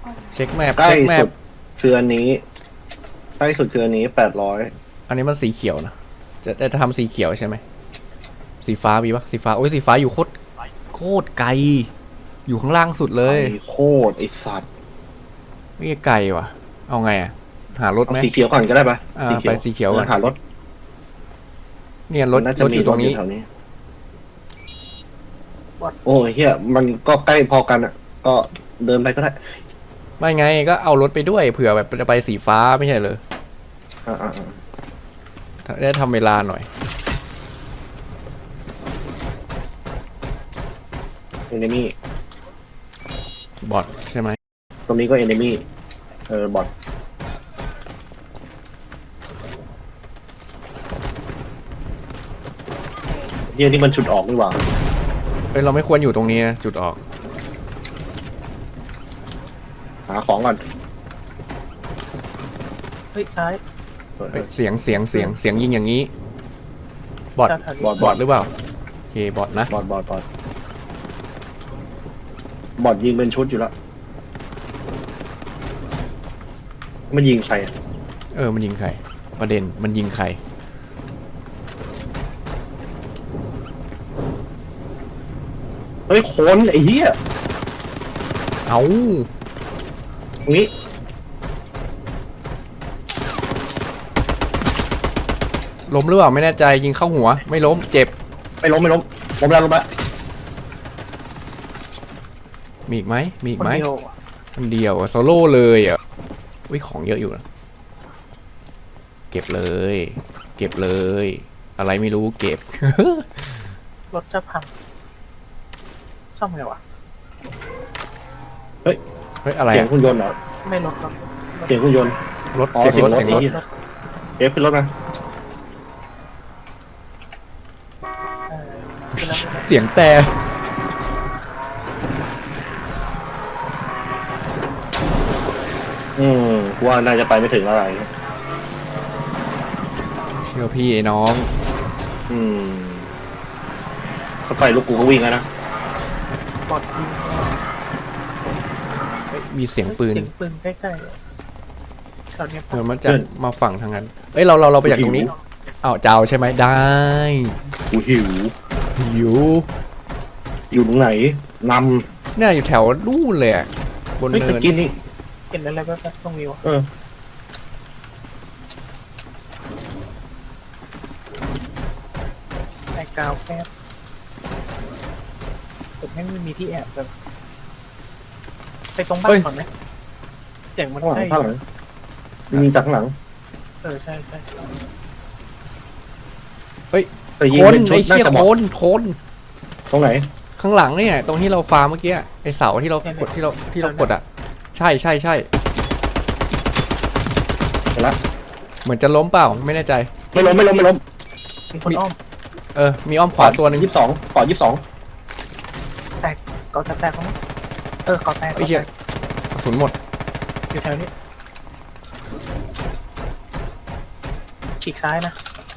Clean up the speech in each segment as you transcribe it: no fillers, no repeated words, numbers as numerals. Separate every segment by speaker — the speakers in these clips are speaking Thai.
Speaker 1: เช็คแมป
Speaker 2: ใกล้
Speaker 1: เช็คแมป
Speaker 2: สุดคืออันนี้ใกล้สุดคืออันนี้800
Speaker 1: อันนี้มันสีเขียวนะจะทำสีเขียวใช่ไหมสีฟ้ามีปะสีฟ้าโอ้ยสีฟ้าอยู่โคตรไกลอยู่ข้างล่างสุดเลย
Speaker 2: ไอ้โคตรไอสัตว์
Speaker 1: ไม่ไกลว่ะเอาไงอะหารถ
Speaker 2: เอา
Speaker 1: ไหม
Speaker 2: สีเขียวก่อนก็ได้ปะ
Speaker 1: ไปสีเขียวก่อน
Speaker 2: หารถ
Speaker 1: เนี่ยรถ
Speaker 2: น่าจะ
Speaker 1: รถ
Speaker 2: มี
Speaker 1: อยู่ตรงนี้
Speaker 2: แถวนี้โอ้ยเฮียมันก็ใกล้พอกันอ่ะก็เดินไปก็ได้
Speaker 1: ไม่ไงก็เอารถไปด้วยเผื่อแบบจะไปสีฟ้าไม่ใช่เลย
Speaker 2: อ่า
Speaker 1: ได้ทำเวลาหน่อย
Speaker 2: เอนมี่
Speaker 1: บอทใช่ไหม
Speaker 2: ตรงนี้ก็เอนมี่บอทเฮียนี่มันชุดออกนี่หว่า
Speaker 1: เอ้ยเราไม่ควรอยู่ตรงนี้นะจุดออก
Speaker 2: หาของก่อน
Speaker 3: เฮ้ยซ้าย
Speaker 1: เอ้ยเสียงยิงอย่างนี้บอท
Speaker 3: ด้านถัด
Speaker 1: บอทหรือเปล่าโอเคบอทนะ
Speaker 2: บอทยิงเป็นชุดอยู่แล้วมันยิงใครอะ
Speaker 1: มันยิงใครประเด็นมันยิงใคร
Speaker 2: เฮ้ยคนไอ้เหี้ย
Speaker 1: เอา
Speaker 2: ตรงนี้
Speaker 1: ล้มหรือเปล่าไม่แน่ใจยิงเข้าหัวไม่ล้มเจ็บ
Speaker 2: ไม่ล้มล้มแล้ว
Speaker 1: มีอีกไหมมีอีก
Speaker 3: คน
Speaker 1: ไหม
Speaker 3: เดียว
Speaker 1: คนเดียวโซโล่เลยอ่ะอุ้ยของเยอะอยู่นะเก็บเลยอะไรไม่รู้เก็บ
Speaker 3: รถจะพังซ่อมไงวะ
Speaker 1: เฮ้ยอะไร
Speaker 2: เสียง
Speaker 1: อะ
Speaker 2: หุ่นยนต์เหรอ
Speaker 3: ไม่รถครับ
Speaker 2: เสียงหุ่นยนต์
Speaker 1: รถ
Speaker 2: อ๋อ
Speaker 1: เสียงรถ
Speaker 2: เสี
Speaker 1: เสี
Speaker 2: ย
Speaker 1: ย
Speaker 2: ง
Speaker 1: ง
Speaker 2: ร
Speaker 1: ร
Speaker 2: ถ
Speaker 1: ถ
Speaker 2: เอฟขึ้นรถมา
Speaker 3: ขึ้นแล้ว
Speaker 1: เสียงแต่
Speaker 2: กูว่าน่าจะไปไม่ถึงอะไร
Speaker 1: เชื่อพี่ไอ้น้อง
Speaker 2: ถ้าไปลูกกูก็วิ่งแล้วนะ
Speaker 3: บอดยิง
Speaker 1: เฮ้ยมีเสียงปืน
Speaker 3: เสียงปืนใกล้ๆตอนนี้
Speaker 1: เดี๋ยวมันจะมาฝั่งทางนั้นเอ้ยเราไปจากตรงนี้อ้าวเจ้าใช่ไหมได้
Speaker 2: กูหิว
Speaker 1: หิว
Speaker 2: อยู่ตรงไหนน
Speaker 1: เนี่ยอยู่แถวนู่นเลยอะบ
Speaker 2: ำ
Speaker 1: น
Speaker 2: เฮ้ย
Speaker 1: เนิ
Speaker 2: ตะ
Speaker 1: น
Speaker 2: กี้นี่
Speaker 3: เห็นอะไรแบบตรงนี้วะ
Speaker 2: เออ
Speaker 3: ไอ้กาวแป๊บผมไม่มีที่แอบแบบไปตรงบ้านก่อนไหมเสียงมัน
Speaker 2: ข้างหลั
Speaker 3: ใก
Speaker 2: ง
Speaker 3: ล้
Speaker 2: ข้างหลังมีจากข้างหลัง
Speaker 3: ใช่
Speaker 2: แต่ยิง
Speaker 1: คน
Speaker 2: เป็นชุ
Speaker 1: ไอ้
Speaker 2: ดน่า
Speaker 1: เชี่ย
Speaker 2: จะเห
Speaker 1: ค
Speaker 2: มาะ
Speaker 1: น
Speaker 2: ตรงไหน
Speaker 1: ข้างหลังเนี่ยตรงที่เราฟาร์มเมื่อกี้ไอ้เสาที่เรากดที่เรากดอะใช่
Speaker 2: เห็นละ
Speaker 1: เหมือนจะล้มเปล่าไม่แน่ใจ
Speaker 2: ไม่ล้ม
Speaker 3: มีคนอ้อม
Speaker 1: มีอ้อมขวาตัวหนึง
Speaker 2: ขอ22
Speaker 3: เกาะจะแตกมั้งเกาะแตก
Speaker 1: ไอ้เหี้ยกระสุนหมด
Speaker 3: อยู่แถวนี้ฉีกซ้ายนะ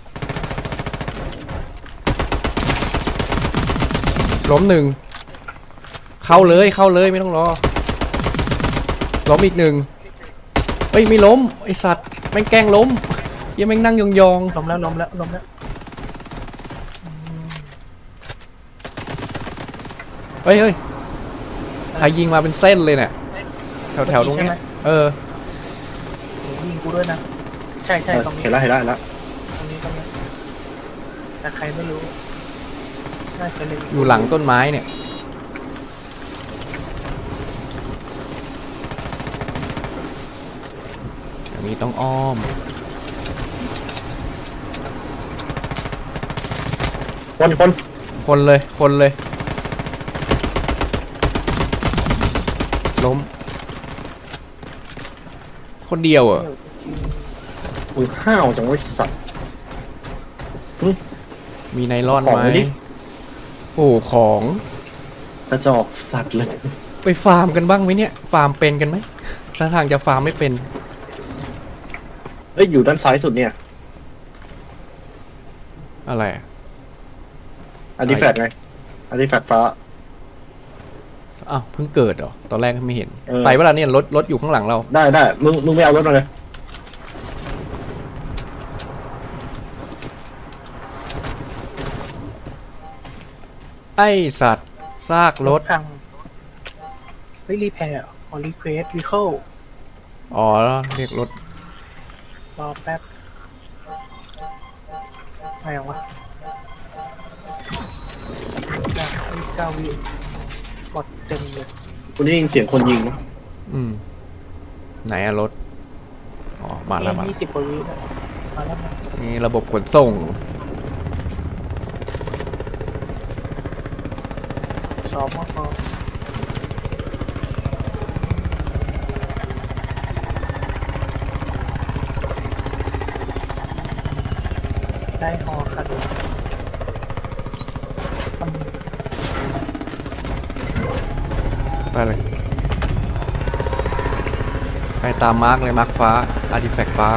Speaker 1: ล้มหนึ่งเข้าเลยไม่ต้องรอล้มอีกหนึ่งเฮ้ยไม่ล้มไอสัตว์แม่งแกล้งล้มยังแม่งนั่งยอง
Speaker 3: ล้มแล้ว
Speaker 1: ๆเฮ้ยใครยิงมาเป็นเส้นเลยเนี่ยแถวตรงเนี้ย
Speaker 3: ยิงกูด้วยนะใช่ตรงนี้
Speaker 2: เห็นละ
Speaker 3: ตรงนี้แต่ใครไม่รู้น่าจะเล็ง
Speaker 1: อยู่หลังต้นไม้เนี่ยอย่างนี้ต้องอ้อม
Speaker 2: คน
Speaker 1: เลยล้มคนเดียวเหรอ
Speaker 2: มึงห้าวจังไว้สัตว์
Speaker 1: มีไนลอน
Speaker 2: ของ
Speaker 1: ไหม
Speaker 2: ดิ
Speaker 1: โอ้ของ
Speaker 2: กระจอกสัตว์เลย
Speaker 1: ไปฟาร์มกันบ้างไหมเนี่ยฟาร์มเป็นกันไหมถ้าทางจะฟาร์มไม่เป็น
Speaker 2: เอ้ยอยู่ด้านซ้ายสุดเนี่ย
Speaker 1: อะไร
Speaker 2: อาร์ติแฟกต์ไงอาร์ติแฟกต์ฟ้า
Speaker 1: อ้าวเพิ่งเกิดเหรอตอนแรกไม่เห็น
Speaker 2: เออ
Speaker 1: ไปเวลาเนี่ยรถอยู่ข้างหลังเรา
Speaker 2: ได้มึงไม่เอารถมาเลย
Speaker 1: ไอสัตว์ซากรถ
Speaker 3: พังเฮ้ยรีแพร์ออรีเควสวีเคิล
Speaker 1: อ๋อเรียกรถ
Speaker 3: รอแป๊บอะไรวะ9 วิกดเต็มเลย
Speaker 2: คุณได้ยินเสียงคนยิงนะ
Speaker 1: อืมไหนอะรถอ๋อมาแล้วมา
Speaker 3: 20 กว่าวิแล้วมาแล้วมา
Speaker 1: นี่ระบบขนส่ง
Speaker 3: สองมอได้ฮอคันทำ
Speaker 1: ไปเลยไปตามมาร์กเลยมาร์กฟ้าอาร์ติแฟกต์ฟ้า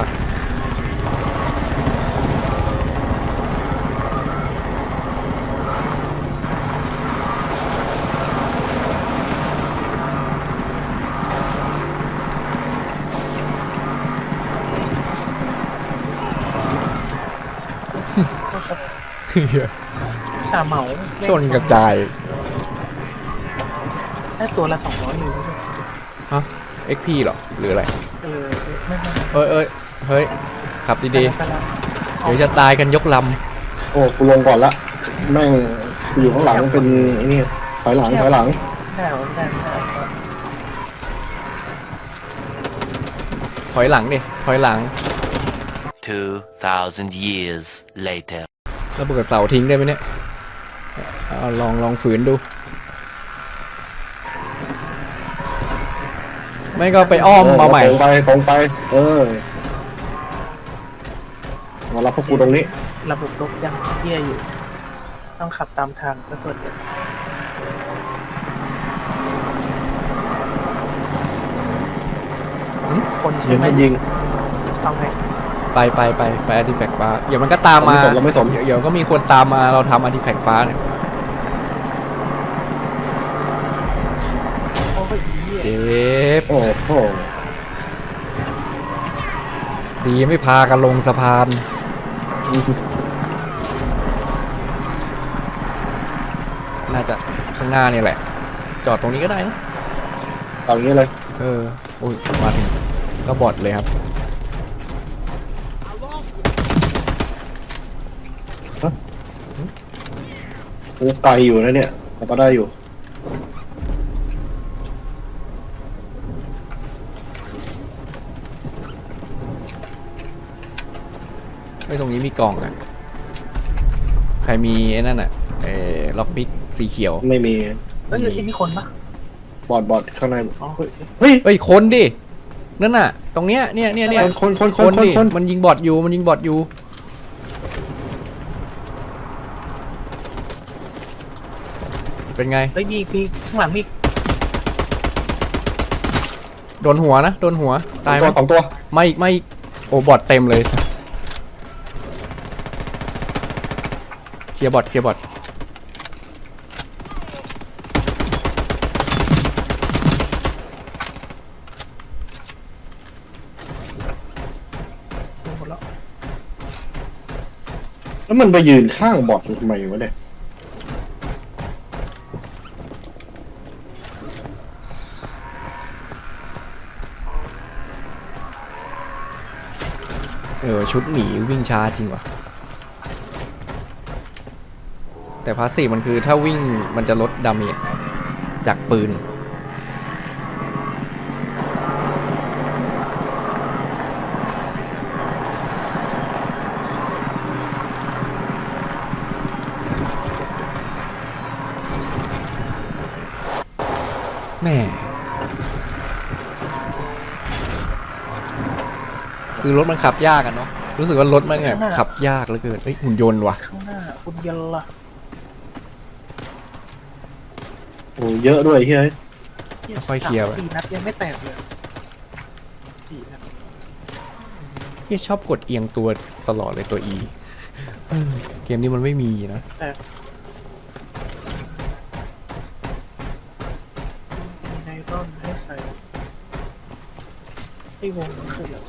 Speaker 3: ชาเหมา
Speaker 1: ชนกระจาย
Speaker 3: ได้ตัวละ200อยู่ด้วย
Speaker 1: ฮะ XP เหรอ หรืออะไร
Speaker 3: ไม่
Speaker 1: เฮ้ย ขับดี
Speaker 3: ไปแล้ว
Speaker 1: ๆ เดี๋ยวจะตายกันยกล
Speaker 2: โอ้กูลงก่อนละแม่งกูอยู่ข้างหลังเป็นไอ้นี่ถอยหลัง
Speaker 3: ไม่ได้หรอไม่ได้
Speaker 1: ำถอยหลังดิ ถอยหลัง
Speaker 4: 2,000 years later.
Speaker 1: แล้วเบิดเสาทิ้งได้ไหมเนี่ยเอาลองฝืนดู ไม่ก็ไปอ้อมมาใหม่
Speaker 2: ตรงไปมารับพวกกูตรงนี้
Speaker 3: ระบบรบยังเยี่ยอยู่ ต้องขับตามทางซะส่วนใหญ่
Speaker 1: หืม
Speaker 3: คนใช่
Speaker 2: เดี๋ยว
Speaker 3: ไหม
Speaker 2: มันยิง
Speaker 3: เอาไง
Speaker 1: ไปอาร์ติแฟกต์ฟ้า เดี๋ยวมันก็ตามมา
Speaker 2: เราไม่สน
Speaker 1: เดี๋ยวก็มีคนตามมาเราทำอาร์ติแฟกต์ฟ้าเนี่ย
Speaker 3: โอ้ยอี
Speaker 1: เจ็บ
Speaker 2: โอ้โห
Speaker 1: ดีไม่พากันลงสะพาน น่าจะข้างหน้านี่แหละ จอดตรงนี้ก็ได้นะ
Speaker 2: เอาอย่างนี้เลย
Speaker 1: โอ้ยมาถึงก็บอดเลยครับ
Speaker 2: กูไกลอยู่นะเนี่ยแต่ก็ได้อยู่
Speaker 1: ไม่ตรงนี้มีกล่องอะใครมีไอ้นั่นอะล็อกพิกสีเขียว
Speaker 2: ไม่มี
Speaker 3: เฮ้ยไอ้นี่คนปะ
Speaker 2: บอดข้างใน
Speaker 3: อ๋อ
Speaker 2: เฮ้ย
Speaker 1: เอ้ยคนดิ นั่นน่ะ ตรงเนี้ยเนี่ย
Speaker 2: คน
Speaker 1: ดิ มันยิงบอดอยู่ เป็นไง
Speaker 3: เฮ้ยมีข้างหลังมี
Speaker 1: โดนหัวนะ โดนหัว ตายไหม
Speaker 2: สองตัว
Speaker 1: ไม่อีก โอ้บอดเต็มเลย เคลียร์บอท
Speaker 3: หมดแล้ว
Speaker 2: แล้วมันไปยืนข้างบอดทำไมวะเนี่ย
Speaker 1: ชุดหนีวิ่งช้าจริงว่ะ แต่พาสซีฟมันคือถ้าวิ่งมันจะลดดาเมจจากปืน แม่ คือรถมันขับยากอะเนาะ รู้สึกว่ารถมันแบบขับยากเหลือเกินเฮ้ยหุ่นยนต์ว่ะ
Speaker 3: ข้างหน้าคุณยันละ
Speaker 2: โอ้เยอะด้วยเฮ้ย
Speaker 1: ค่อยๆเคลียร์ไป
Speaker 3: 4 นัดยังไม่แตกเลย4 นัด
Speaker 1: ที่ชอบกดเอียงตัวตลอดเลยตัว E เกมนี้มันไม่มีนะ
Speaker 3: แต่ไอ้วงมันคืออะไร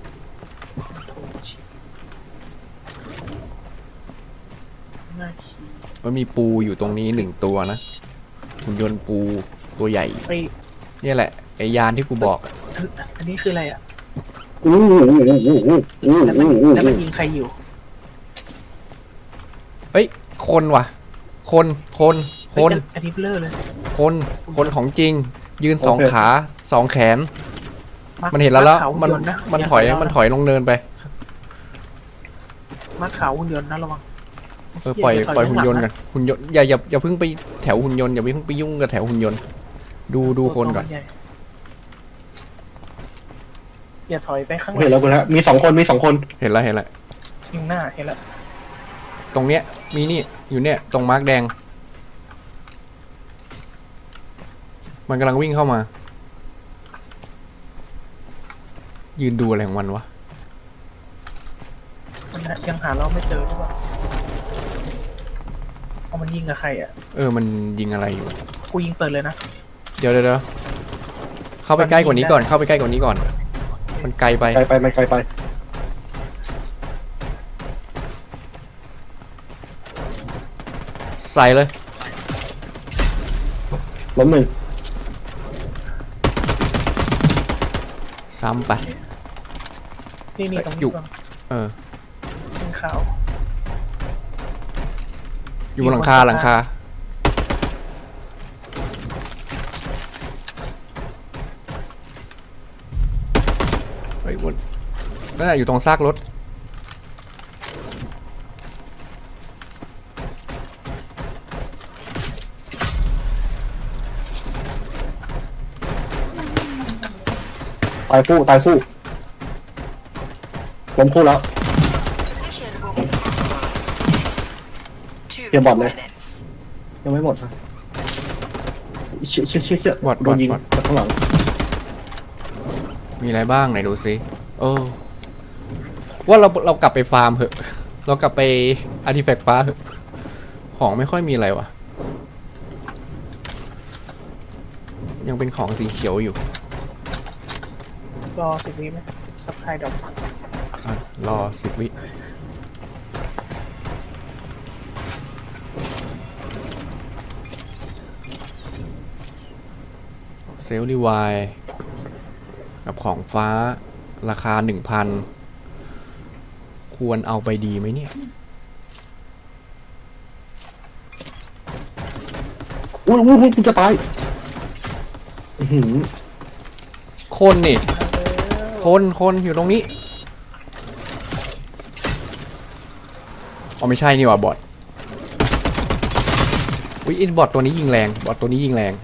Speaker 3: น่าขี่
Speaker 1: มันมีปูอยู่ตรงนี้1ตัวนะหุ่นยนต์ปูตัวใหญ่
Speaker 3: ไป
Speaker 1: เนี่ยแหละไอยานที่กูบอกอะ
Speaker 3: อันนี้คืออะไรอ่ะ
Speaker 2: อู้หูอู้หูอู้หู
Speaker 3: แล้วมันยิงใครอยู่
Speaker 1: เอ้ยคนว่ะ คนคน
Speaker 3: อันนี้เบลอเลย
Speaker 1: คนของจริง ยืน2 ขา 2 แขน มันเห็นแล้ว
Speaker 3: ขาว
Speaker 1: มัน
Speaker 3: หุ่ยต์ะ
Speaker 1: มันถอยมันถอยลงเนินไป
Speaker 3: มาขาวหุ่นยนต์นะระวัง
Speaker 1: ปล่อย
Speaker 3: เหี้
Speaker 1: ปล่อยหุ่นยนต์
Speaker 3: ข้างห
Speaker 1: กั
Speaker 3: ลั
Speaker 1: นหุ่นยนต์อย่าเพิ่งไปแถวหุ่นยนต์อย่าเพิ่งไปยุ่งกับแถวหุ่นยนต์ดูคนก่อน
Speaker 3: ใหญ่อย่าถอยไปข้างหลั
Speaker 2: เห็น
Speaker 3: ง
Speaker 2: แล้วคุณฮะมี2 คนมี2 คน
Speaker 1: เห็นแล้ว
Speaker 3: ยิงหน้าเห็นแล้ว
Speaker 1: ตรงเนี้ยมีนี่อยู่เนี่ยตรงมาร์กแดง มันกำลังวิ่งเข้ามา ยืนดูอะไรของมันวะ
Speaker 3: มันยังหาเราไม่เจอหรือเปล่าเอามันยิงกับใครอ่ะ
Speaker 1: มันยิงอะไรอยู่
Speaker 3: กูยิงเปิดเลยนะ
Speaker 1: เดี๋ยวเข้าไปใกล้กว่านี้ก่อนเข้าไปใกล้กว่านี้ก่อน มันไกลไป
Speaker 2: ไกลไปมันไกลไป
Speaker 1: ใส่เลย
Speaker 2: ล้ม1
Speaker 1: ซ้ำไป
Speaker 3: นี่ตรง
Speaker 1: อยู่
Speaker 3: นี้ก่อน
Speaker 1: เออ
Speaker 3: ยิงขาว
Speaker 1: อยู่บนหลังคาเฮ้ยวนนั่นแหละอยู่ตรงซากรถ
Speaker 2: ตายฟู่ล้มคู่แล้ว
Speaker 5: Two
Speaker 2: Yeah, bot left.
Speaker 5: minutes.
Speaker 2: ยังไม่หมดนะเชี่ย
Speaker 1: บอท
Speaker 2: โดนยิง
Speaker 1: บอท
Speaker 2: จากข้างหลัง
Speaker 1: มีอะไรบ้างไหนดูซิว่าเรากลับไปฟาร์มเหอะ เรากลับไปอาร์ติแฟกต์ฟ้าเหอะ ของไม่ค่อยมีอะไรวะยังเป็นของสีเขียวอยู่
Speaker 3: รอ10 วิไหมซับไพดอก
Speaker 1: รอ10 วิเซลล์รีไวล์กับของฟ้าราคา 1,000 ควรเอาไปดีไหมเนี่ย
Speaker 2: อุ้ยกูจะตายอื้อหือ
Speaker 1: คนนี่ คนอยู่ตรงนี้อ๋อไม่ใช่นี่หว่าบอทอุ๊ยบอทตัวนี้ยิงแรงบอทตัวนี้ยิงแรง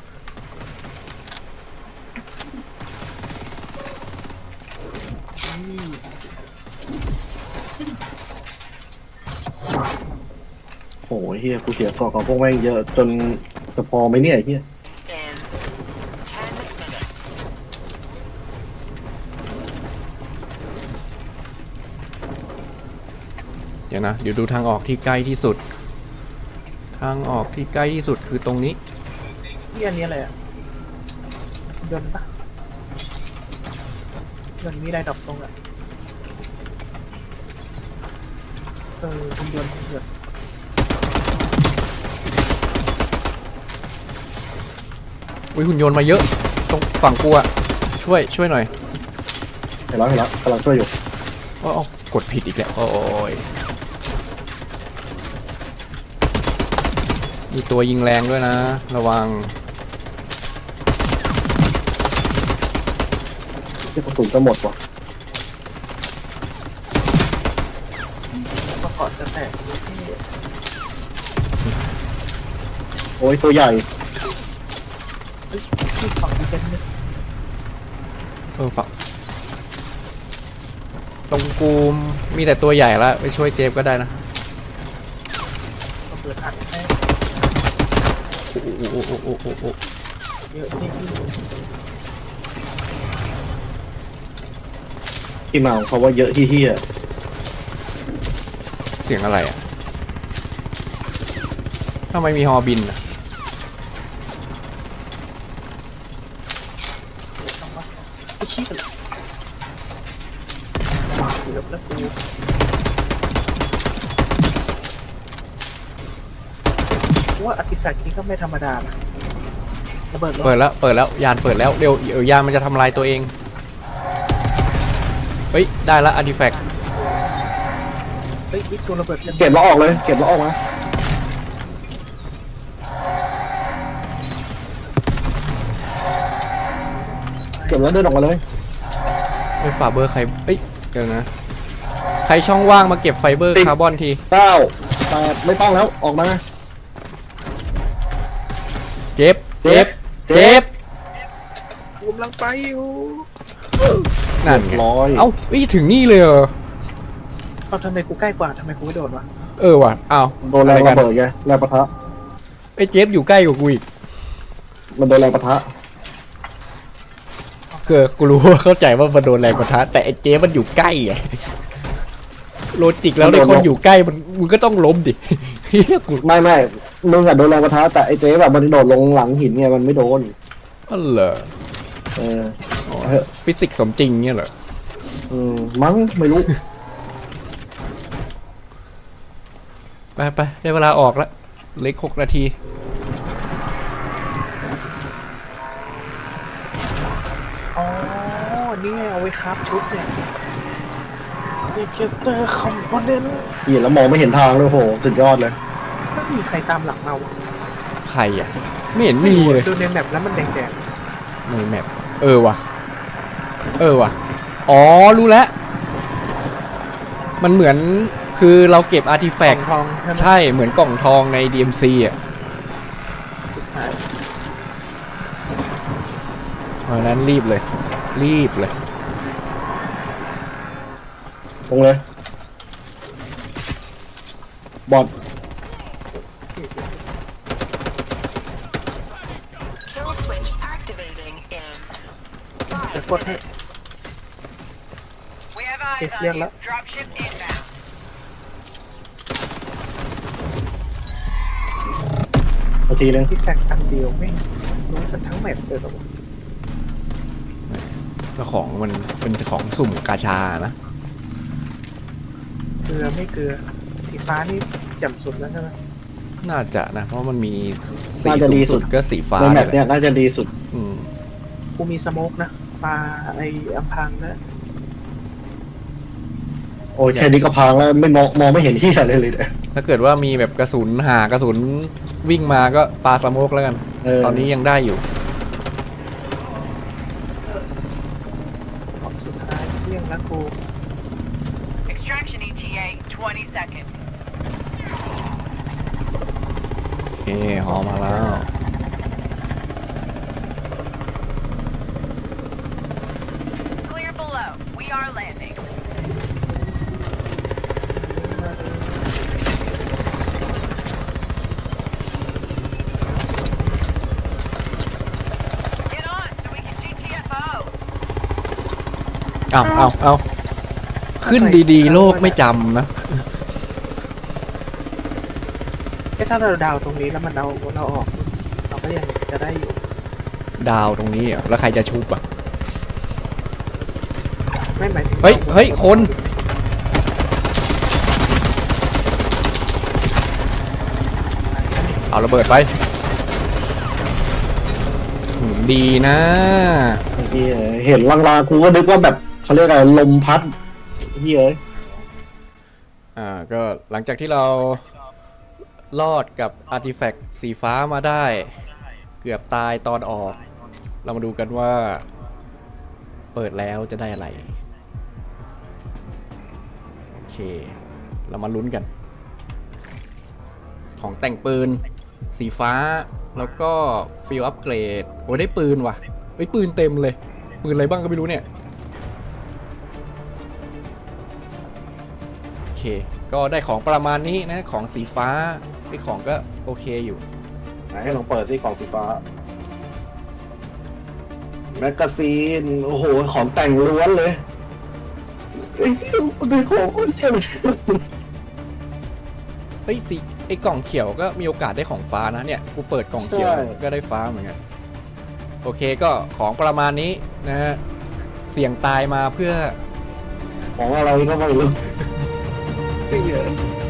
Speaker 2: โอ้ยเฮียกูเสียเกาะกับพวกแม่งเยอะจนจะพอไหมเนี่ยไอ้เฮีย
Speaker 5: In 10 minutes.
Speaker 1: เดี๋ยวนะเดี๋ยวดูทางออกที่ใกล้ที่สุด ทางออกที่ใกล้ที่สุดคือตรงนี้
Speaker 3: ที่อันนี้อะไรอ่ะยนต์ปะยนต์มีอะไรดอกตรงอ่ะหุ่นยนต์
Speaker 1: อุ๊ยหุ่นยนต์มาเยอะตรงฝั่งกูอะช่วยหน่อย
Speaker 2: เห็นแล้วกำลังช่วยอยู่
Speaker 1: อ๋อกดผิดอีกแล้วโอ้ยมีตัวยิงแรงด้วยนะ ระวัง
Speaker 2: ที่กระสุนจะหมดว่ะ
Speaker 3: ประกอบจะแตก
Speaker 2: โอ้ยตัวใหญ่
Speaker 3: ที่ฝั่งดีเจนเนี่ย
Speaker 1: ฝั่งตรงกูมีแต่ตัวใหญ่แล้วไปช่วยเจฟก็ได้นะ
Speaker 3: ก็เปิดอัดให้
Speaker 1: โอ้
Speaker 3: เยอะที่
Speaker 2: ที่มาของเขาว่าเยอะที่เฮีย
Speaker 1: เสียงอะไรอะทำไมมีฮอบินอะ
Speaker 3: ไอ้ชี้กันเกือบแล้วกูว่าอาร์ติแฟกต์นี้ก็ไม่ธรรมดานะระเบิดรถ
Speaker 1: เปิดแล้วยานเปิดแล้วเดี๋ยวยานมันจะทำลายตัวเองเฮ้ยได้ละอาร์ติแฟกต์
Speaker 3: เฮ้ยอีกตัวระเบิดเต็ม
Speaker 2: เก็บแล้วออกเลยเก็บแล้วออกมาเก็บแล้วเดินออกมาเลย
Speaker 1: ไอ้ฝาเบอร์ใครเอ้ยเดี๋ยวนะใครช่องว่างมาเก็บไฟเบอร์คาร์บอนที
Speaker 2: 9 8ไม่ต้องแล้วออกมา
Speaker 1: เจ็บ
Speaker 3: กูกำลังไปอยู่
Speaker 1: นั่นไง
Speaker 2: ร้อย
Speaker 1: เอ้าถึงนี่เลยเหรอ
Speaker 3: เอาทำไมกูใกล้กว่าทำไมกูไม่โดดวะ
Speaker 1: ว่ะอ้าว
Speaker 2: โดนแรงระเบิดไงแรงปะทะ
Speaker 1: ไอ้เจ็บอยู่ใกล้กว่ากูอีก
Speaker 2: มันโดนแรงปะทะ
Speaker 1: คือกูรู้ว่าเข้าใจว่ามันโดนแรงปะทะแต่ไอ้เจ๊มันอยู่ใกล้ไงโลจิกแล้วในคนอยู่ใกล้มึงก็ต้องล้มดิเฮียกู
Speaker 2: ไม่มึงอะโดนแรงปะทะแต่ไอ้เจ๊แบบมันโดดลงหลังหินไงมันไม่โดน
Speaker 1: อ๋อเหรอ
Speaker 2: เออ
Speaker 1: ฟิสิกส์สมจริงเนี่ยเหรอ
Speaker 2: มั้งไม่รู้
Speaker 1: ไปได้เวลาออกแล้วเหล็ก6 นาที
Speaker 3: อ๋อนี่ไงเอาไว้คราฟชุดเนี่ยเอเกเตอร์คอมโพเนนต์
Speaker 2: เห็นแล้วมองไม่เห็นทางเลยโหสุดยอดเลย
Speaker 3: ไม่มีใครตามหลังเรา
Speaker 1: ใครอ่ะไม่เห็นมีเลย
Speaker 3: ดูในแมปแล้วมันแดง
Speaker 1: ในแมปว่ะอ๋อรู้แล้วมันเหมือนคือเราเก็บอาร์ติแฟ
Speaker 3: ๆ
Speaker 1: กต์
Speaker 3: ทองใช่ไหม
Speaker 1: ใช่เหมือนกล่องทองใน DMC อ่ะ
Speaker 3: สุดท้าย
Speaker 1: เพราะฉะนั้นรีบเลย
Speaker 2: ตรงเลยบอด
Speaker 5: Kill switch activating in
Speaker 3: จะ
Speaker 5: 5
Speaker 3: กดให้
Speaker 5: minutes. We have
Speaker 3: Okay,
Speaker 5: eyes
Speaker 3: clear
Speaker 5: on you.
Speaker 3: up.
Speaker 5: Dropship inbound.
Speaker 2: นาทีนึง
Speaker 3: ที่แฟกต์อันเดียวไม่รู้กันทั้งแมปเลยหรอวะ
Speaker 1: แล้วของมันเป็นของสุ่มกาชานะ
Speaker 3: เกลือไม่เกลือสีฟ้านี่แจ่มสุดแล้วใช่ไหม
Speaker 1: น่าจะนะ เพราะมันมีสี
Speaker 2: น่าจะ
Speaker 1: สู
Speaker 2: ดี
Speaker 1: ง
Speaker 2: สุ
Speaker 1: สุ
Speaker 2: ด
Speaker 1: ดก็สีฟ้า
Speaker 2: ในแมป
Speaker 1: แห
Speaker 2: เนี้ย
Speaker 1: ละ
Speaker 2: น่าจะดีสุด
Speaker 1: อืม
Speaker 3: กูมีสโมกนะปลาไอ้อัมพังนะ
Speaker 2: โอ้ยแค่นี้ก็พังแล้วไม่มองไม่เห็นที่อะไรเลยเนี่ย
Speaker 1: ถ้าเกิดว่ามีแบบกระสุนกระสุนวิ่งมาก็ปาสโมกแล้วกัน ตอนนี้ยังได้อยู่
Speaker 3: ของสุดท้ายเที่ยงแล้วกู
Speaker 5: Extraction ETA 20 seconds.
Speaker 1: โอเคหอมาแล้ว
Speaker 5: Clear below. We are landing. Get on so we can GTFO.
Speaker 1: เอาขึ้นดีๆ โลกไม่จำนะ
Speaker 3: แค่ถ้าเราดาวตรงนี้แล้วมันเราออกเราก็ยังจะได้อยู่
Speaker 1: ดาวตรงนี้อ่ะแล้วใครจะชุบอ่ะ
Speaker 3: ไม่หมายถึง
Speaker 1: เฮ้ยคน เอาระเบิดไปดีนะ
Speaker 2: ไอ้เหี้ยเห็นลางๆกูก็นึกว่าแบบเขาเรียกอะไรลมพัดเฮ้ยเอ้ย
Speaker 1: ก็หลังจากที่เรารอดกับอาร์ติแฟกต์สีฟ้ามาได้ เกือบตายตอนออก เรามาดูกันว่า เปิดแล้วจะได้อะไร โอเค เรามาลุ้นกัน ของแต่งปืนสีฟ้าแล้วก็ฟิลอัพเกรดโอ้ได้ปืนว่ะเฮ้ยปืนเต็มเลย ปืนอะไรบ้างก็ไม่รู้เนี่ย โอเค ก็ได้ของประมาณนี้นะ ของสีฟ้าไอ้ของก็โอเคอยู่
Speaker 2: ไหนให้ลองเปิดซิกล่องสีฟ้าแมกกาซีนโอ้โหของแต่งล้วนเลยไอ้เหี้ยมันเป็นของเชี่ย
Speaker 1: เฮ้ยสีไอ้กล่องเขียวก็มีโอกาสได้ของฟ้านะเนี่ยกูเปิดกล่องเขียวก็ได้ฟ้าเหมือนกันโอเคก็ของประมาณนี้นะฮะเสี่ยงตายมาเพื่อ
Speaker 2: ของอะไรก็ไม่รู้ไอ้เหี้ย